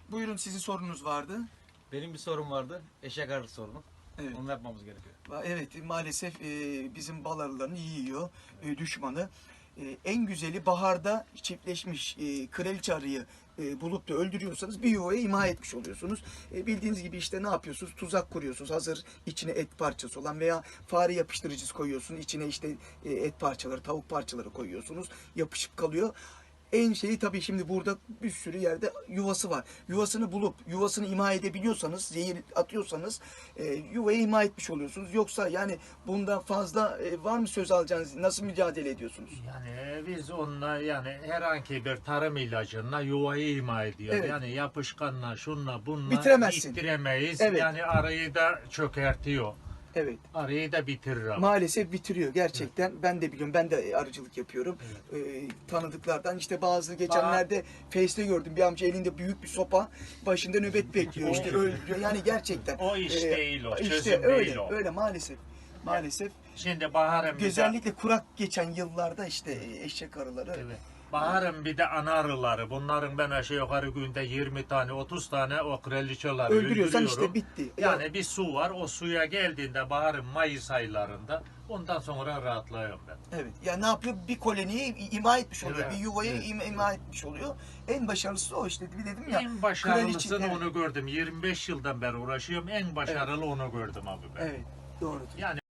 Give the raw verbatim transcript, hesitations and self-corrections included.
Buyurun, sizin sorunuz vardı. Benim bir sorum vardı. Eşek arısı sorunu. Evet. Onu yapmamız gerekiyor. Evet, maalesef e, bizim bal arılarını yiyor e, düşmanı. E, en güzeli baharda çiftleşmiş e, kraliçe arıyı e, bulup da öldürüyorsanız bir yuvaya imha etmiş oluyorsunuz. E, bildiğiniz gibi işte ne yapıyorsunuz? Tuzak kuruyorsunuz. Hazır içine et parçası olan veya fare yapıştırıcısı koyuyorsunuz. İçine işte e, et parçaları, tavuk parçaları koyuyorsunuz. Yapışıp kalıyor. En şeyi tabii şimdi burada bir sürü yerde yuvası var. Yuvasını bulup yuvasını imha edebiliyorsanız, zehir atıyorsanız e, yuvayı imha etmiş oluyorsunuz. Yoksa yani bundan fazla e, var mı söz alacağınız? Nasıl mücadele ediyorsunuz? Yani biz onunla yani herhangi bir tarım ilacına yuvayı imha ediyor. Evet. Yani yapışkanla şunla bununla Bitiremezsin. bitiremeyiz. Evet. Yani arıyı da çökertiyor. Evet. Arıyı da bitirir ama. Maalesef bitiriyor gerçekten. Ben de biliyorum. Ben de arıcılık yapıyorum. Evet. Ee, tanıdıklardan işte bazı geçenlerde Face'te gördüm. Bir amca elinde büyük bir sopa, başında nöbet bekliyor. O- İşte öldürüyor. Yani gerçekten. O iş Ee, değil o, işte çözüm öyle, değil o. Öyle maalesef. Maalesef. Şimdi baharın bir de, Özellikle kurak geçen yıllarda işte eşek arıları. evet, baharın bir de ana arıları. Bunların ben aşağı yukarı günde yirmi tane otuz tane o kraliçeleri Öldürüyorsan işte öldürüyorum. bitti. Yani Ya- bir su var. O suya geldiğinde baharın Mayıs aylarında ondan sonra rahatlıyorum ben. Evet. Ya ne yapıyor? Bir koloniyi imha etmiş oluyor. Evet, Bir yuvayı evet, im- imha etmiş oluyor. En başarılısı o işte. Bir dedim ya. En başarılısını kraliçe- evet. onu gördüm. yirmi beş yıldan beri uğraşıyorum. En başarılı onu gördüm abi ben. Evet. Doğrudur. Yani